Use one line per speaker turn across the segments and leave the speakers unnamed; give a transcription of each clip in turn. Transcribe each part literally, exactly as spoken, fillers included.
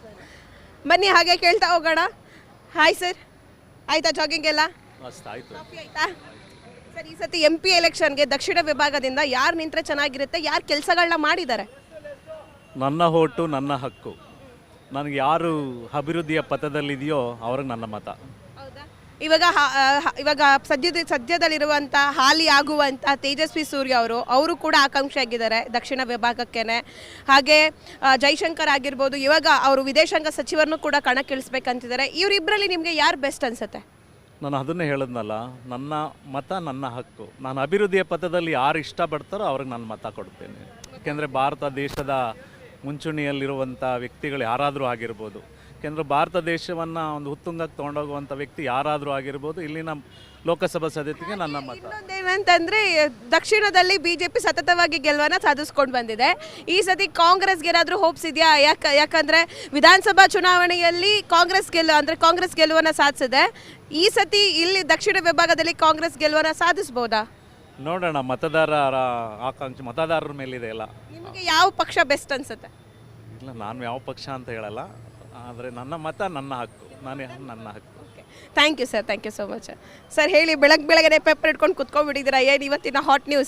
ಬನ್ನಿ ಹಾಗೆ ಕೇಳ್ತಾ ಹೋಗೋಣ. ಹಾಯ್ ಸರ್, ಆಯ್ತಾ ಜಾಗಿಂಗ್ ಎಲ್ಲ? ಕಾಫಿ ಆಯ್ತಾ ಸರ್? ಈ ಸತಿ ಎಂ ಪಿ ಎಲೆಕ್ಷನ್ಗೆ ದಕ್ಷಿಣ ವಿಭಾಗದಿಂದ ಯಾರು ನಿಂತರೆ ಚೆನ್ನಾಗಿರುತ್ತೆ, ಯಾರು ಕೆಲಸಗಳನ್ನ ಮಾಡಿದ್ದಾರೆ?
ನನ್ನ ಓಟು ನನ್ನ ಹಕ್ಕು. ನನಗೆ ಯಾರು ಅಭಿವೃದ್ಧಿಯ ಪಥದಲ್ಲಿದೆಯೋ ಅವ್ರಿಗೆ ನನ್ನ ಮತ.
ಇವಾಗ ಇವಾಗ ಸದ್ಯದ ಸದ್ಯದಲ್ಲಿರುವಂಥ ಹಾಲಿ ಆಗುವಂಥ ತೇಜಸ್ವಿ ಸೂರ್ಯ ಅವರು ಅವರು ಕೂಡ ಆಕಾಂಕ್ಷಿ ಆಗಿದ್ದಾರೆ ದಕ್ಷಿಣ ವಿಭಾಗಕ್ಕೇನೆ. ಹಾಗೆ ಜೈಶಂಕರ್ ಆಗಿರ್ಬೋದು, ಇವಾಗ ಅವರು ವಿದೇಶಾಂಗ ಸಚಿವರನ್ನು ಕೂಡ ಕಣಕ್ಕಿಳಿಸ್ಬೇಕಂತಿದ್ದಾರೆ. ಇವರಿಬ್ಬರಲ್ಲಿ ನಿಮಗೆ ಯಾರು ಬೆಸ್ಟ್ ಅನ್ಸುತ್ತೆ?
ನಾನು ಅದನ್ನೇ ಹೇಳಿದ್ನಲ್ಲ, ನನ್ನ ಮತ ನನ್ನ ಹಕ್ಕು. ನಾನು ಅಭಿವೃದ್ಧಿಯ ಪಥದಲ್ಲಿ ಯಾರು ಇಷ್ಟಪಡ್ತಾರೋ ಅವ್ರಿಗೆ ನಾನು ಮತ ಕೊಡ್ತೇನೆ. ಯಾಕೆಂದರೆ ಭಾರತ ದೇಶದ ಮುಂಚೂಣಿಯಲ್ಲಿರುವಂಥ ವ್ಯಕ್ತಿಗಳು ಯಾರಾದರೂ ಆಗಿರ್ಬೋದು. ಯಾಕೆಂದರೆ ಭಾರತ ದೇಶವನ್ನು ಒಂದು ಉತ್ತುಂಗಕ್ಕೆ ತೊಗೊಂಡೋಗುವಂಥ ವ್ಯಕ್ತಿ ಯಾರಾದರೂ ಆಗಿರ್ಬೋದು. ಇಲ್ಲಿನ ಲೋಕಸಭಾ ಸದಸ್ಯರಿಗೆ ನನ್ನ ಮತ.
ಇನ್ನೊಂದೇನಂತಂದರೆ ದಕ್ಷಿಣದಲ್ಲಿ ಬಿ ಜೆ ಪಿ ಸತತವಾಗಿ ಗೆಲುವನ್ನು ಸಾಧಿಸ್ಕೊಂಡು ಬಂದಿದೆ. ಈ ಸತಿ ಕಾಂಗ್ರೆಸ್ಗೆ ಏನಾದರೂ ಹೋಪ್ಸ್ ಇದೆಯಾ? ಯಾಕೆ ಯಾಕಂದರೆ ವಿಧಾನಸಭಾ ಚುನಾವಣೆಯಲ್ಲಿ ಕಾಂಗ್ರೆಸ್ ಗೆಲ್ಲು ಅಂದರೆ ಕಾಂಗ್ರೆಸ್ ಗೆಲುವನ್ನು ಸಾಧಿಸಿದೆ. ಈ ಸತಿ ಇಲ್ಲಿ ದಕ್ಷಿಣ ವಿಭಾಗದಲ್ಲಿ ಕಾಂಗ್ರೆಸ್ ಗೆಲುವನ್ನು ಸಾಧಿಸ್ಬೋದಾ?
ನೋಡೋಣ, ಮತದಾರರ ಆಕಾಂಕ್ಷೆ ಮತದಾರರ ಮೇಲಿದೆ ಎಲ್ಲ.
ನಿಮಗೆ ಯಾವ ಪಕ್ಷ ಬೆಸ್ಟ್ ಅನ್ಸುತ್ತೆ?
ಇಲ್ಲ, ನಾನು ಯಾವ ಪಕ್ಷ ಅಂತ ಹೇಳಲ್ಲ, ಆದರೆ ನನ್ನ ಮತ ನನ್ನ ಹಕ್ಕು, ನಾನೇ ನನ್ನ ಹಕ್ಕು.
Thank you sir, thank you so much sir. ಹೇಳಿ, ಬೆಳಗ್ಗೆ ಬೆಳಗ್ಗೆ ಪೇಪರ್ ಇಟ್ಕೊಂಡು ಕುತ್ಕೊಂಡ್ಬಿಟ್ಟಿದ್ದೀರಾ, ಏನು ಇವತ್ತಿನ ಹಾಟ್ ನ್ಯೂಸ್?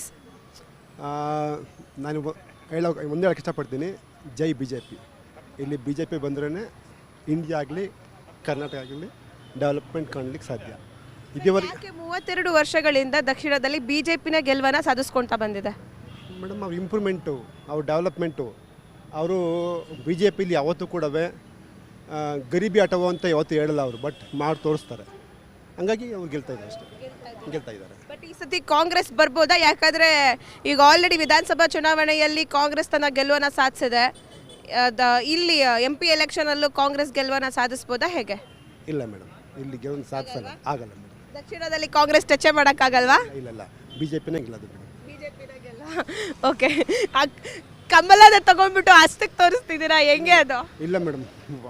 ನಾನು ಹೇಳೋ ಮುಂದೆ ಹೇಳೋಕ್ಕೆ ಇಷ್ಟಪಡ್ತೀನಿ, ಜೈ ಬಿ ಜೆ ಪಿ. ಇಲ್ಲಿ ಬಿ ಜೆ ಪಿ ಬಂದ್ರೇ ಇಂಡಿಯಾ ಆಗಲಿ ಕರ್ನಾಟಕ ಆಗಲಿ ಡೆವಲಪ್ಮೆಂಟ್ ಕಾಣಲಿಕ್ಕೆ ಸಾಧ್ಯ.
ಇದುವರೆಗೆ ಮೂವತ್ತೆರಡು ವರ್ಷಗಳಿಂದ ದಕ್ಷಿಣದಲ್ಲಿ ಬಿ ಜೆ ಪಿನ ಗೆಲುವನ್ನು ಸಾಧಿಸ್ಕೊಳ್ತಾ ಬಂದಿದೆ.
ಮೇಡಮ್, ಅವ್ರ ಇಂಪ್ರೂವ್ಮೆಂಟು, ಅವ್ರ ಡೆವಲಪ್ಮೆಂಟು, ಅವರು ಬಿ ಜೆ ಪಿಲಿ ಯಾವತ್ತೂ ಕೂಡ ಗರೀಬಿ ಆಟವೋ ಅಂತ ಯಾವತ್ತೂ ಹೇಳಲ್ಲ ಅವರು, ಬಟ್ ಮಾಡಿ ತೋರಿಸ್ತಾರೆ. ಹಂಗಾಗಿ ಅವ್ರು ಗೆಲ್ತಾ ಇದ್ದಾರೆ ಅಷ್ಟೇ, ಗೆಲ್ತಾ ಇದ್ದಾರೆ.
ಬಟ್ ಈ ಸತಿ ಕಾಂಗ್ರೆಸ್ ಬರ್ಬೋದಾ? ಯಾಕಂದರೆ ಈಗ ಆಲ್ರೆಡಿ ವಿಧಾನಸಭಾ ಚುನಾವಣೆಯಲ್ಲಿ ಕಾಂಗ್ರೆಸ್ ತನ್ನ ಗೆಲುವನ್ನು ಸಾಧಿಸಿದೆ. ಇಲ್ಲಿ ಎಂ ಪಿ ಎಲೆಕ್ಷನಲ್ಲೂ ಕಾಂಗ್ರೆಸ್ ಗೆಲುವನ್ನು ಸಾಧಿಸ್ಬೋದಾ, ಹೇಗೆ?
ಇಲ್ಲ ಮೇಡಮ್, ಇಲ್ಲಿ ಗೆಲುವನ್ನು ಸಾಧಿಸಲ್ಲ, ಆಗಲ್ಲ ಮೇಡಮ್.
ದಕ್ಷಿಣದಲ್ಲಿ ಕಾಂಗ್ರೆಸ್ ಟಚ್ ಮಾಡೋಕ್ಕಾಗಲ್ವಾ?
ಇಲ್ಲ ಇಲ್ಲ, ಬಿ ಜೆ ಪಿನೇ ಗೆಲ್ಲೋದು ಮೇಡಮ್.
ಬಿ ಜೆ ಪಿನೇ ಗೆಲ್ಲ. ಓಕೆ, ಕಮಲದ ತಗೊಂಡ್ಬಿಟ್ಟು ಅಷ್ಟಕ್ಕೆ ತೋರಿಸ್ತಿದ್ದೀರಾ, ಹೆಂಗೆ ಅದು?
ಇಲ್ಲ ಮೇಡಮ್,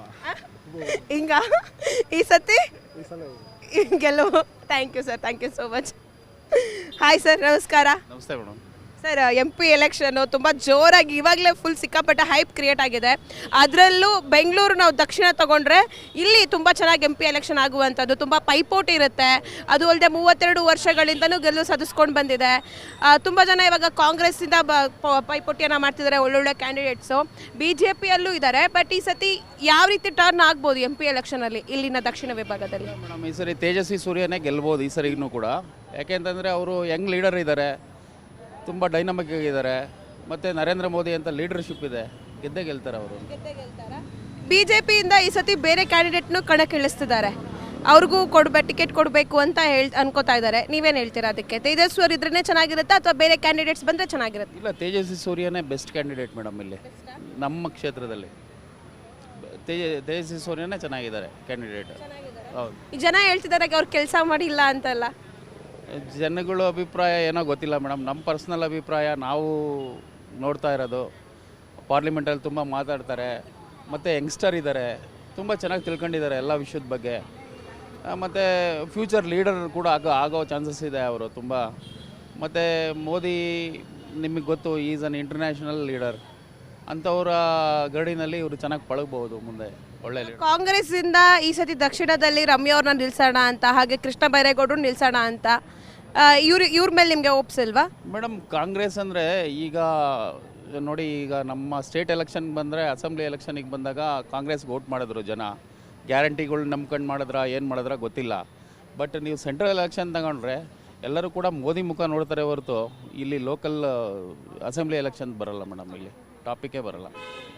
ಹಿಂಗ ಈ ಸತಿ ಗೆಲುವು. Thank you sir, thank you so much. Hi sir, ನಮಸ್ಕಾರ.
ನಮಸ್ತೆ ಮೇಡಮ್.
ಸರ್, ಎಂ ಪಿ ಎಲೆಕ್ಷನ್ನು ತುಂಬ ಜೋರಾಗಿ ಇವಾಗಲೇ ಫುಲ್ ಸಿಕ್ಕಾಪಟ್ಟೆ ಹೈಪ್ ಕ್ರಿಯೇಟ್ ಆಗಿದೆ. ಅದರಲ್ಲೂ ಬೆಂಗಳೂರು ನಾವು ದಕ್ಷಿಣ ತಗೊಂಡ್ರೆ ಇಲ್ಲಿ ತುಂಬ ಚೆನ್ನಾಗಿ ಎಂ ಪಿ ಎಲೆಕ್ಷನ್ ಆಗುವಂಥದ್ದು, ತುಂಬ ಪೈಪೋಟಿ ಇರುತ್ತೆ. ಅದು ಅಲ್ಲದೆ ಮೂವತ್ತೆರಡು ವರ್ಷಗಳಿಂದನೂ ಗೆಲುವು ಸಾಧಿಸ್ಕೊಂಡು ಬಂದಿದೆ. ತುಂಬ ಜನ ಇವಾಗ ಕಾಂಗ್ರೆಸ್ಸಿಂದ ಬ ಪೈಪೋಟಿಯನ್ನು ಮಾಡ್ತಿದ್ದಾರೆ, ಒಳ್ಳೊಳ್ಳೆ ಕ್ಯಾಂಡಿಡೇಟ್ಸು. ಬಿ ಜೆ ಪಿಯಲ್ಲೂ ಇದ್ದಾರೆ. ಬಟ್ ಈ ಸತಿ ಯಾವ ರೀತಿ ಟರ್ನ್ ಆಗ್ಬೋದು ಎಂ ಪಿ ಎಲೆಕ್ಷನಲ್ಲಿ ಇಲ್ಲಿನ ದಕ್ಷಿಣ ವಿಭಾಗದಲ್ಲಿ?
ಮೇಡಮ್, ಈ ಸರಿ ತೇಜಸ್ವಿ ಸೂರ್ಯನೇ ಗೆಲ್ಬೋದು ಈ ಸರಿನೂ ಕೂಡ. ಯಾಕೆಂತಂದರೆ ಅವರು ಯಂಗ್ ಲೀಡರ್ ಇದ್ದಾರೆ, ತುಂಬ ಡೈನಮಿಕ್ ಆಗಿದ್ದಾರೆ, ಮತ್ತು ನರೇಂದ್ರ ಮೋದಿ ಅಂತ ಲೀಡರ್ಶಿಪ್ ಇದೆ, ಗೆದ್ದೇ ಗೆಲ್ತಾರೆ ಅವರು.
ಬಿ ಜೆ ಪಿಯಿಂದ ಈ ಸತಿ ಬೇರೆ ಕ್ಯಾಂಡಿಡೇಟ್ನು ಕಣಕ್ಕಿಳಿಸ್ತಿದ್ದಾರೆ, ಅವ್ರಿಗೂ ಕೊಡ್ಬೇ ಟಿಕೆಟ್ ಕೊಡಬೇಕು ಅಂತ ಹೇಳಿ ಅನ್ಕೋತಾ ಇದ್ದಾರೆ. ನೀವೇನು ಹೇಳ್ತೀರಾ ಅದಕ್ಕೆ? ತೇಜಸ್ವಿ ಅವರು ಇದ್ರೇ ಚೆನ್ನಾಗಿರುತ್ತಾ ಅಥವಾ ಬೇರೆ ಕ್ಯಾಂಡಿಡೇಟ್ಸ್ ಬಂದರೆ ಚೆನ್ನಾಗಿರುತ್ತೆ?
ಇಲ್ಲ, ತೇಜಸ್ವಿ ಸೂರ್ಯನೇ ಬೆಸ್ಟ್ ಕ್ಯಾಂಡಿಡೇಟ್ ಮೇಡಮ್ ಇಲ್ಲಿ ನಮ್ಮ ಕ್ಷೇತ್ರದಲ್ಲಿ. ತೇಜ ತೇಜಸ್ವಿ ಸೂರ್ಯನೇ ಚೆನ್ನಾಗಿದ್ದಾರೆ ಕ್ಯಾಂಡಿಡೇಟ್. ಹೌದು.
ಈ ಜನ ಹೇಳ್ತಿದ್ದಾರೆ ಅವ್ರು ಕೆಲಸ ಮಾಡಿಲ್ಲ ಅಂತಲ್ಲ.
ಜನಗಳ ಅಭಿಪ್ರಾಯ ಏನೋ ಗೊತ್ತಿಲ್ಲ ಮೇಡಮ್. ನಮ್ಮ ಪರ್ಸ್ನಲ್ ಅಭಿಪ್ರಾಯ ನಾವು ನೋಡ್ತಾ ಇರೋದು, ಪಾರ್ಲಿಮೆಂಟಲ್ಲಿ ತುಂಬ ಮಾತಾಡ್ತಾರೆ, ಮತ್ತು ಯಂಗ್ಸ್ಟರ್ ಇದ್ದಾರೆ, ತುಂಬ ಚೆನ್ನಾಗಿ ತಿಳ್ಕೊಂಡಿದ್ದಾರೆ ಎಲ್ಲ ವಿಷಯದ ಬಗ್ಗೆ. ಮತ್ತು ಫ್ಯೂಚರ್ ಲೀಡರ್ ಕೂಡ ಆಗೋ ಆಗೋ ಚಾನ್ಸಸ್ ಇದೆ ಅವರು ತುಂಬ. ಮತ್ತು ಮೋದಿ ನಿಮಗೆ ಗೊತ್ತು, ಈಸ್ ಅನ್ ಇಂಟರ್ನ್ಯಾಷನಲ್ ಲೀಡರ್. ಅಂಥವರ ಗಡಿನಲ್ಲಿ ಇವರು ಚೆನ್ನಾಗಿ ಪಳಗಬಹುದು ಮುಂದೆ. ಒಳ್ಳೆ
ಕಾಂಗ್ರೆಸ್ಸಿಂದ ಈ ಸತಿ ದಕ್ಷಿಣದಲ್ಲಿ ರಮ್ಯಾ ಅವ್ರನ್ನ ನಿಲ್ಸೋಣ ಅಂತ, ಹಾಗೆ ಕೃಷ್ಣ ಬೈರೇಗೌಡರು ನಿಲ್ಸೋಣ ಅಂತ, ಇವ್ರ ಇವ್ರ ಮೇಲೆ ನಿಮಗೆ ಒಪ್ಸಿಲ್ವಾ?
ಮೇಡಮ್, ಕಾಂಗ್ರೆಸ್ ಅಂದರೆ ಈಗ ನೋಡಿ, ಈಗ ನಮ್ಮ ಸ್ಟೇಟ್ ಎಲೆಕ್ಷನ್ ಬಂದರೆ, ಅಸೆಂಬ್ಲಿ ಎಲೆಕ್ಷನಿಗೆ ಬಂದಾಗ ಕಾಂಗ್ರೆಸ್ಗೆ ವೋಟ್ ಮಾಡಿದ್ರು ಜನ. ಗ್ಯಾರಂಟಿಗಳು ನಂಬ್ಕೊಂಡು ಮಾಡಿದ್ರ ಏನು ಮಾಡಿದ್ರ ಗೊತ್ತಿಲ್ಲ. ಬಟ್ ನೀವು ಸೆಂಟ್ರಲ್ ಎಲೆಕ್ಷನ್ ತಗೊಂಡ್ರೆ ಎಲ್ಲರೂ ಕೂಡ ಮೋದಿ ಮುಖ ನೋಡ್ತಾರೆ ಹೊರತು ಇಲ್ಲಿ ಲೋಕಲ್ ಅಸೆಂಬ್ಲಿ ಎಲೆಕ್ಷನ್ ಬರಲ್ಲ ಮೇಡಮ್, ಇಲ್ಲಿ ಟಾಪಿಕೇ ಬರಲ್ಲ.